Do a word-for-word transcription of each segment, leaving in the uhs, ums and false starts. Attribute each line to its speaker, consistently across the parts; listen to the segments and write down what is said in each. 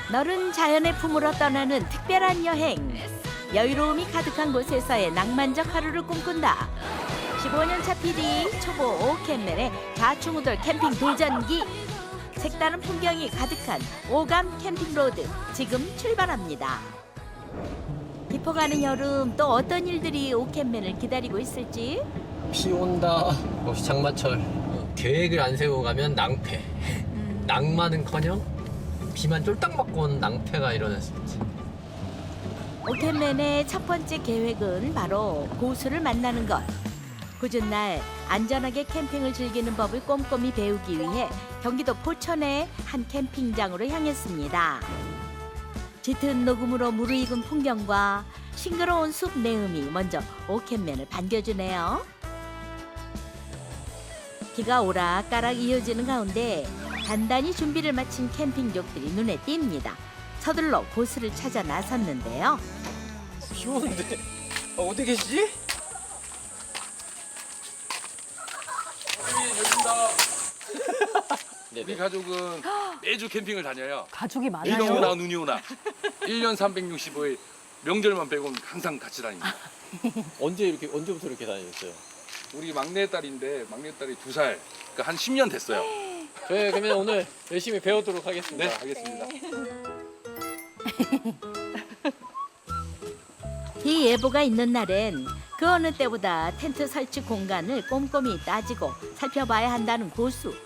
Speaker 1: 너른 자연의 품으로 떠나는 특별한 여행. 여유로움이 가득한 곳에서의 낭만적 하루를 꿈꾼다. 십오 년 차 피디 초보 오캠맨의 좌충우돌 캠핑 도전기. 색다른 풍경이 가득한 오감 캠핑로드 지금 출발합니다. 깊어가는 여름 또 어떤 일들이 오캠맨을 기다리고 있을지.
Speaker 2: 비 온다, 혹시 장마철. 어, 계획을 안 세우고 가면 낭패.
Speaker 1: 음.
Speaker 2: 낭만은커녕 비만 쫄딱 맞고 오는 낭패가 일어날 수 있지.
Speaker 1: 오캠맨의 첫 번째 계획은 바로 고수를 만나는 것. 굳은 날 안전하게 캠핑을 즐기는 법을 꼼꼼히 배우기 위해 경기도 포천의 한 캠핑장으로 향했습니다. 짙은 녹음으로 무르익은 풍경과 싱그러운 숲 내음이 먼저 오캠맨을 반겨주네요. 비가 오락가락 이어지는 가운데 단단히 준비를 마친 캠핑족들이 눈에 띕니다. 서둘러 고수를 찾아 나섰는데요.
Speaker 2: 비 오는데 아, 어디 계시지?
Speaker 3: 우리 가족은 매주 캠핑을 다녀요.
Speaker 4: 가족이
Speaker 3: 비가
Speaker 4: 많아요.
Speaker 3: 오나 눈이 오나 일 년 삼백육십오 일 명절만 빼고는 항상 같이 다닙니다.
Speaker 2: 언제 이렇게 언제부터 이렇게 다녔어요?
Speaker 3: 우리 막내딸인데 막내딸이 두 살, 그러니까 한 십 년 됐어요.
Speaker 2: 저희 그러면 오늘 열심히 배우도록 하겠습니다.
Speaker 3: 네, 알겠습니다.
Speaker 1: 비 예보가 있는 날엔 그 어느 때보다 텐트 설치 공간을 꼼꼼히 따지고 살펴봐야 한다는 고수.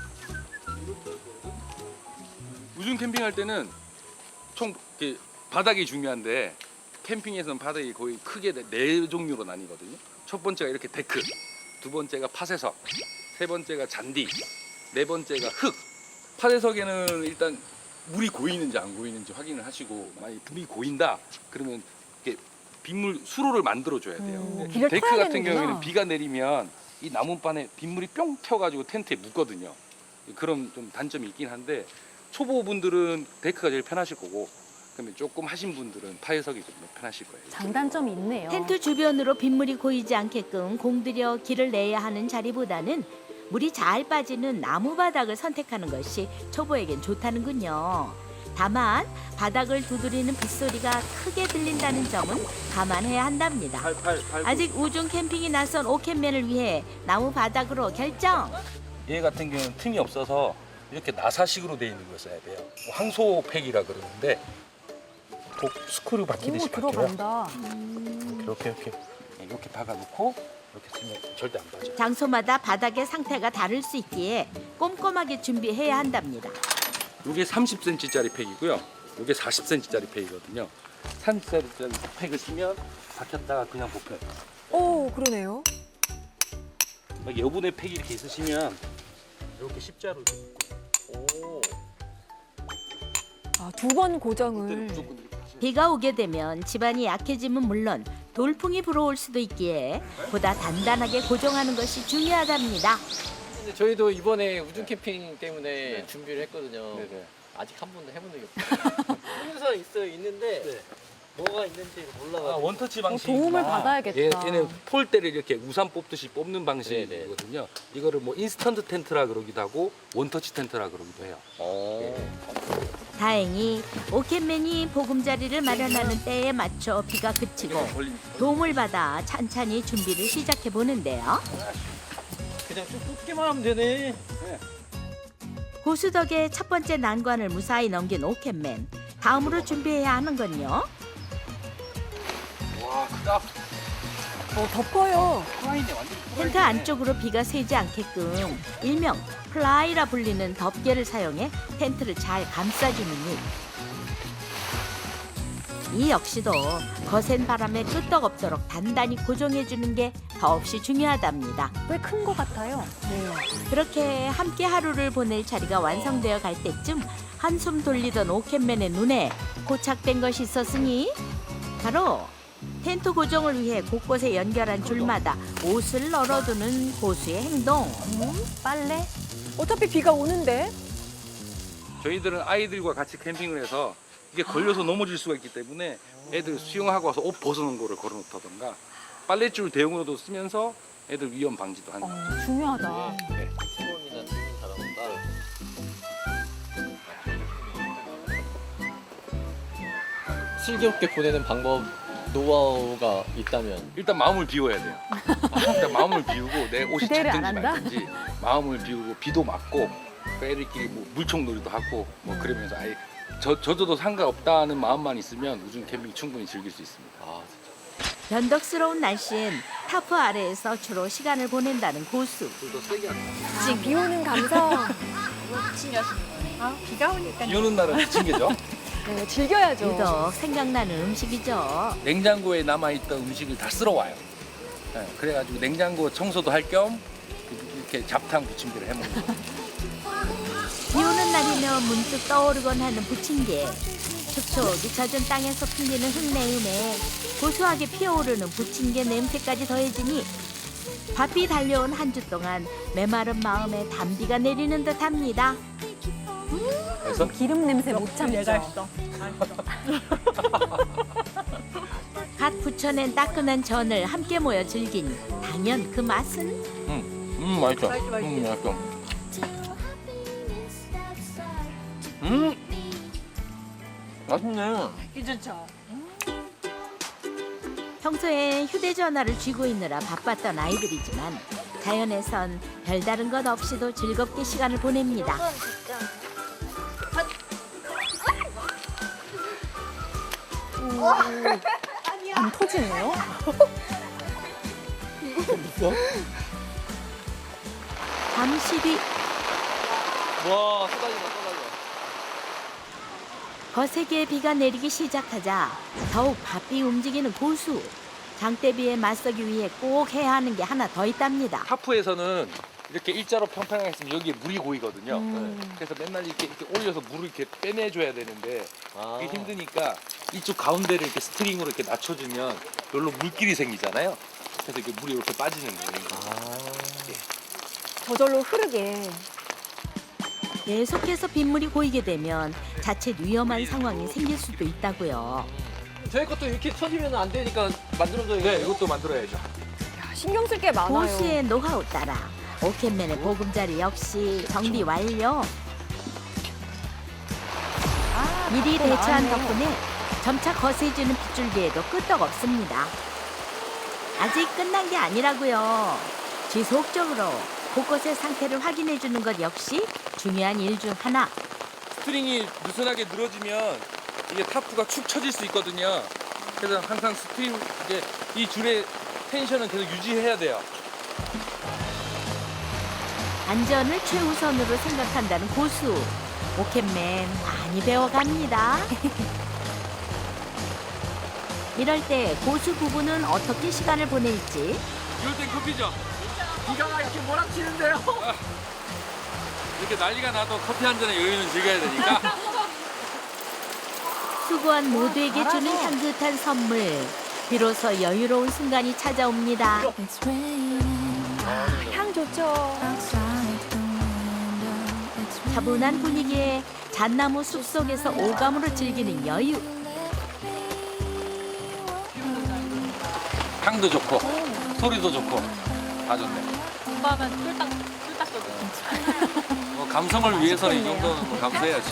Speaker 3: 우중 캠핑할 때는 총 이렇게 바닥이 중요한데 캠핑에서는 바닥이 거의 크게 네- 네 종류로 나뉘거든요. 첫 번째가 이렇게 데크, 두 번째가 팥쇠석, 세 번째가 잔디, 네 번째가 흙. 팥쇠석에는 일단 물이 고이는지 안 고이는지 확인을 하시고 만약 물이 고인다 그러면 이렇게 빗물 수로를 만들어 줘야 돼요.
Speaker 4: 음,
Speaker 3: 근데
Speaker 4: 길을
Speaker 3: 데크
Speaker 4: 타야
Speaker 3: 같은
Speaker 4: 되는구나.
Speaker 3: 경우에는 비가 내리면 이 나무판에 빗물이 뿅 튀어가지고 텐트에 묻거든요. 그런 좀 단점이 있긴 한데 초보분들은 데크가 제일 편하실 거고 그러면 조금 하신 분들은 파해석이 좀 편하실 거예요.
Speaker 4: 장단점이 있네요.
Speaker 1: 텐트 주변으로 빗물이 고이지 않게끔 공들여 길을 내야 하는 자리보다는 물이 잘 빠지는 나무 바닥을 선택하는 것이 초보에겐 좋다는군요. 다만 바닥을 두드리는 빗소리가 크게 들린다는 점은 감안해야 한답니다.
Speaker 3: 팔, 팔, 팔,
Speaker 1: 아직 우중 캠핑이 나선 오캠맨을 위해 나무 바닥으로 결정.
Speaker 3: 얘 같은 경우는 틈이 없어서 이렇게 나사식으로 돼 있는 걸 써야 돼요. 황소팩이라 그러는데 독 스크류
Speaker 4: 오,
Speaker 3: 박히듯이 박혀요.
Speaker 4: 들어간다.
Speaker 3: 이렇게 이렇게 이렇게 박아놓고 이렇게 쓰면 절대 안 빠져.
Speaker 1: 장소마다 바닥의 상태가 다를 수 있기에 꼼꼼하게 준비해야 한답니다.
Speaker 3: 이게 삼십 센티미터짜리 팩이고요. 이게 사십 센티미터짜리 팩이거든요. 삼십 센티미터짜리 팩을 쓰면 박혔다가 그냥 뽑혀요.
Speaker 5: 오, 그러네요.
Speaker 3: 막 여분의 팩이 이렇게 있으시면 이렇게 십자로
Speaker 2: 오.
Speaker 5: 아, 두 번 고정을.
Speaker 3: 무조건 이렇게 하시면
Speaker 1: 비가 오게 되면 집안이 약해지면 물론 돌풍이 불어올 수도 있기에 보다 단단하게 고정하는 것이 중요하답니다.
Speaker 2: 근데 저희도 이번에 우중 캠핑 때문에 준비를 했거든요.
Speaker 3: 네네.
Speaker 2: 아직 한 번도 해본 적이 없어요. 항상 있어요, 있는데 뭐가 있는지 몰라가지고.
Speaker 3: 아, 원터치
Speaker 4: 어,
Speaker 3: 방식.
Speaker 4: 도움을 받아야겠다.
Speaker 3: 얘, 얘는 폴대를 이렇게 우산 뽑듯이 뽑는 방식이거든요. 이거를 뭐 인스턴트 텐트라 그러기도 하고 원터치 텐트라 그러기도 해요.
Speaker 2: 어.
Speaker 1: 다행히 오캠맨이 보금자리를 마련하는 때에 맞춰 비가 그치고
Speaker 3: 걸림.
Speaker 1: 도움을 받아 찬찬히 준비를 시작해 보는데요.
Speaker 2: 그냥 쭉 뽑기만 하면 되네.
Speaker 1: 고수 덕에 첫 번째 난관을 무사히 넘긴 오캠맨. 다음으로 준비해야 하는 건요.
Speaker 3: 와, 크다.
Speaker 5: 어, 덮어요.
Speaker 3: 플라이네 완전.
Speaker 1: 텐트 안쪽으로 비가 새지 않게끔 일명 플라이라 불리는 덮개를 사용해 텐트를 잘 감싸주는 일. 이 역시도 거센 바람에 끄떡없도록 단단히 고정해주는 게 더없이 중요하답니다.
Speaker 4: 꽤 큰 것 같아요. 네.
Speaker 1: 그렇게 함께 하루를 보낼 자리가 완성되어 갈 때쯤 한숨 돌리던 오캠맨의 눈에 고착된 것이 있었으니 바로 텐트 고정을 위해 곳곳에 연결한 줄마다 옷을 널어두는 고수의 행동.
Speaker 4: 음, 빨래?
Speaker 5: 어차피 비가 오는데.
Speaker 3: 저희들은 아이들과 같이 캠핑을 해서 이게 걸려서 넘어질 수가 있기 때문에 애들 수영하고 와서 옷 벗어놓은 거를 걸어놓다던가 빨랫줄 대용으로도 쓰면서 애들 위험 방지도 하는 거예요.
Speaker 4: 어, 중요하다.
Speaker 3: 네.
Speaker 2: 팀원이나 팀원 잘하고 따로. 슬기롭게 보내는 방법 노하우가 있다면
Speaker 3: 일단 마음을 비워야 돼요. 일단 마음을 비우고 내 옷이
Speaker 4: 기대를 안
Speaker 3: 찼든지
Speaker 4: 한다?
Speaker 3: 말든지 마음을 비우고 비도 맞고 애들끼리 뭐 물총놀이도 하고 뭐 그러면서 아예 저 저도 상관없다는 마음만 있으면 우중 캠핑 충분히 즐길 수 있습니다.
Speaker 2: 아
Speaker 1: 변덕스러운 날씨엔 타프 아래에서 주로 시간을 보낸다는 고수.
Speaker 3: 불도 세게 안
Speaker 5: 아, 비 오는 감성.
Speaker 3: 비 오는 날은 부침개죠.
Speaker 5: 네, 즐겨야죠.
Speaker 1: 유독 생각나는 음식이죠.
Speaker 3: 냉장고에 남아있던 음식을 다 쓸어와요. 네, 그래가지고 냉장고 청소도 할 겸 이렇게 잡탕 부침개를 해먹는 거예요.
Speaker 1: 비 오는 날이면 문득 떠오르곤 하는 부침개. 촉촉이 젖은 땅에서 풍기는 흙내음에 고소하게 피어오르는 부침개 냄새까지 더해지니 바삐 달려온 한 주 동안 메마른 마음에 단비가 내리는 듯합니다.
Speaker 3: 그래서
Speaker 4: 기름 냄새 못 참죠.
Speaker 1: 갓 부쳐낸 따끈한 전을 함께 모여 즐기니 당연 그 맛은
Speaker 3: 음, 음 맛있어. 음 맛있어. 음 맛있네.
Speaker 1: 평소에 휴대전화를 쥐고 있느라 바빴던 아이들이지만 자연에선 별다른 것 없이도 즐겁게 시간을 보냅니다.
Speaker 4: 안 터지네요.
Speaker 1: 잠시 뒤
Speaker 2: 와 쏟아진다 쏟아져.
Speaker 1: 거세게 비가 내리기 시작하자 더욱 바삐 움직이는 고수. 장대비에 맞서기 위해 꼭 해야 하는 게 하나 더 있답니다.
Speaker 3: 타프에서는 이렇게 일자로 평평하게 있으면 여기에 물이 고이거든요.
Speaker 4: 음.
Speaker 3: 네. 그래서 맨날 이렇게, 이렇게 올려서 물을 이렇게 빼내줘야 되는데
Speaker 2: 아.
Speaker 3: 그게 힘드니까 이쪽 가운데를 이렇게 스트링으로 이렇게 낮춰주면 별로 물길이 생기잖아요. 그래서 이렇게 물이 이렇게 빠지는 거예요.
Speaker 2: 아.
Speaker 5: 저절로 흐르게.
Speaker 1: 계속해서 빗물이 고이게 되면 자칫 위험한 상황이 생길 수도 있다고요.
Speaker 2: 저희 것도 이렇게 쳐지면 안 되니까 만들어줘야
Speaker 3: 네, 이것도 만들어야죠.
Speaker 5: 야, 신경 쓸 게 많아요.
Speaker 1: 고수의 노하우 따라 오켓맨의 보금자리 역시 정비 완료. 미리
Speaker 4: 또
Speaker 1: 대처한
Speaker 4: 나왔네.
Speaker 1: 덕분에 점차 거세지는 빗줄기에도 끄떡없습니다. 아직 끝난 게 아니라고요. 지속적으로 곳곳의 상태를 확인해 주는 것 역시 중요한 일 중 하나.
Speaker 3: 스트링이 느슨하게 늘어지면 이게 타프가 축 처질 수 있거든요. 그래서 항상 스트링 이제 이 줄의 텐션은 계속 유지해야 돼요.
Speaker 1: 안전을 최우선으로 생각한다는 고수. 오켓맨 많이 배워갑니다. 이럴 때 고수 부부는 어떻게 시간을 보낼지.
Speaker 3: 이럴 땐 커피죠.
Speaker 2: 비가 이렇게 몰아치는데요.
Speaker 3: 이렇게 난리가 나도 커피 한 잔의 여유는 즐겨야 되니까.
Speaker 1: 수고한 모두에게 주는 향긋한 선물. 비로소 여유로운 순간이 찾아옵니다.
Speaker 5: 향 좋죠.
Speaker 1: 차분한 분위기에 잣나무 숲속에서 오감으로 즐기는 여유.
Speaker 3: 향도 좋고 소리도 좋고 다 좋네.
Speaker 6: 공부하면 쫄딱 쫄딱거려.
Speaker 3: 뭐 감성을 위해서는 이 정도는 뭐 감수해야지.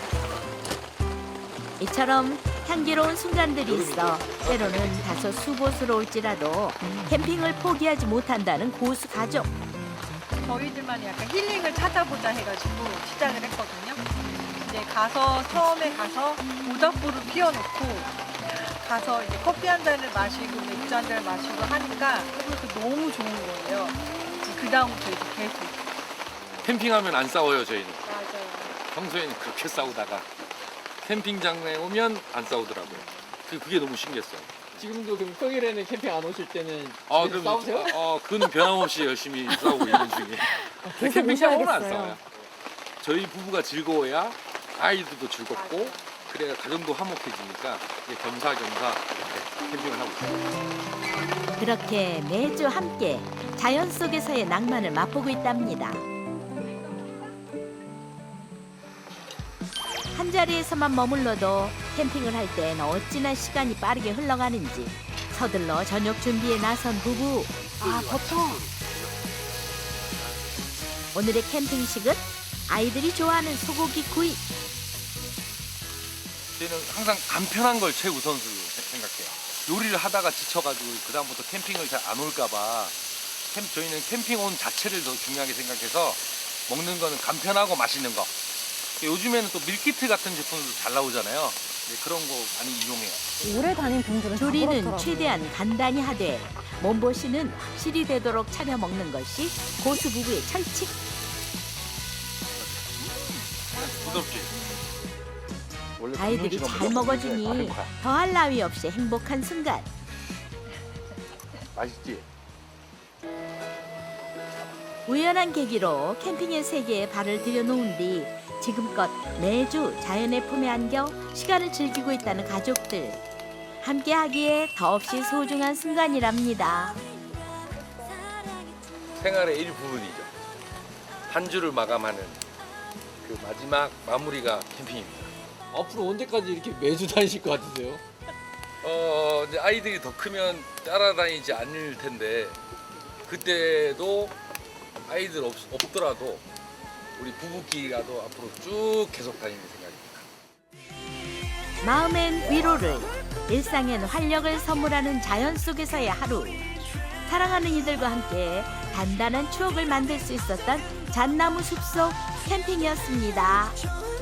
Speaker 1: 이처럼 향기로운 순간들이 있어 때로는 다소 수고스러울지라도 캠핑을 포기하지 못한다는 고수 가족.
Speaker 6: 저희들만의 약간 힐링을 찾아보자 해가지고 시작을 했거든요. 이제 가서 처음에 가서 모닥불을 피워놓고 가서 이제 커피 한 잔을 마시고 맥주 한 잔을 마시고 하니까 그것도 너무 좋은 거예요. 그 다음부터 이제 계속
Speaker 3: 캠핑하면 안 싸워요 저희는.
Speaker 6: 맞아요.
Speaker 3: 평소에는 그렇게 싸우다가 캠핑장에 오면 안 싸우더라고요. 그- 그게 너무 신기했어요.
Speaker 2: 지금도 그럼 평일에는 캠핑 안 오실 때는
Speaker 3: 아,
Speaker 2: 집에서
Speaker 3: 그럼
Speaker 2: 싸우세요?
Speaker 3: 아, 어, 그는 변함없이 열심히 싸우고 있는 중이에요.
Speaker 5: 계속
Speaker 3: 캠핑장 오면 안
Speaker 5: 오셔야겠어요.
Speaker 3: 싸워요. 저희 부부가 즐거워야 아이들도 즐겁고 그래야 가정도 화목해지니까 이제 겸사겸사 이렇게 캠핑을 하고 있어요.
Speaker 1: 그렇게 매주 함께 자연 속에서의 낭만을 맛보고 있답니다. 한 자리에서만 머물러도 캠핑을 할 땐 어찌나 시간이 빠르게 흘러가는지 서둘러 저녁 준비에 나선 부부.
Speaker 5: 아, 버터.
Speaker 1: 오늘의 캠핑식은 아이들이 좋아하는 소고기 구이.
Speaker 3: 저희는 항상 간편한 걸 최우선으로 생각해요. 요리를 하다가 지쳐가지고 그 다음부터 캠핑을 잘 안 올까봐 캠, 저희는 캠핑 온 자체를 더 중요하게 생각해서 먹는 거는 간편하고 맛있는 거. 요즘에는 또 밀키트 같은 제품도 잘 나오잖아요. 네, 그런 거 많이 이용해요.
Speaker 5: 오래 다닌 분들은 다
Speaker 1: 조리는
Speaker 5: 그렇더라고요.
Speaker 1: 최대한 간단히 하되 몸보신은 확실히 되도록 차려 먹는 것이 고수 부부의 철칙.
Speaker 3: 부드럽지? 원래
Speaker 1: 아이들이
Speaker 3: 분홍
Speaker 1: 잘
Speaker 3: 식은
Speaker 1: 먹어주니
Speaker 3: 먹는 게
Speaker 1: 더할 나위 없이 행복한 순간.
Speaker 3: 맛있지?
Speaker 1: 우연한 계기로 캠핑의 세계에 발을 들여놓은 뒤 지금껏 매주 자연의 품에 안겨 시간을 즐기고 있다는 가족들. 함께하기에 더없이 소중한 순간이랍니다.
Speaker 3: 생활의 일부분이죠. 한 주를 마감하는 그 마지막 마무리가 캠핑입니다.
Speaker 2: 앞으로 언제까지 이렇게 매주 다니실 것 같으세요?
Speaker 3: 어, 이제 아이들이 더 크면 따라다니지 않을 텐데 그때도 아이들 없, 없더라도 우리 부부끼리라도 앞으로 쭉 계속 다니는 생각입니다.
Speaker 1: 마음엔 위로를, 일상엔 활력을 선물하는 자연 속에서의 하루. 사랑하는 이들과 함께 단단한 추억을 만들 수 있었던 잣나무 숲속 캠핑이었습니다.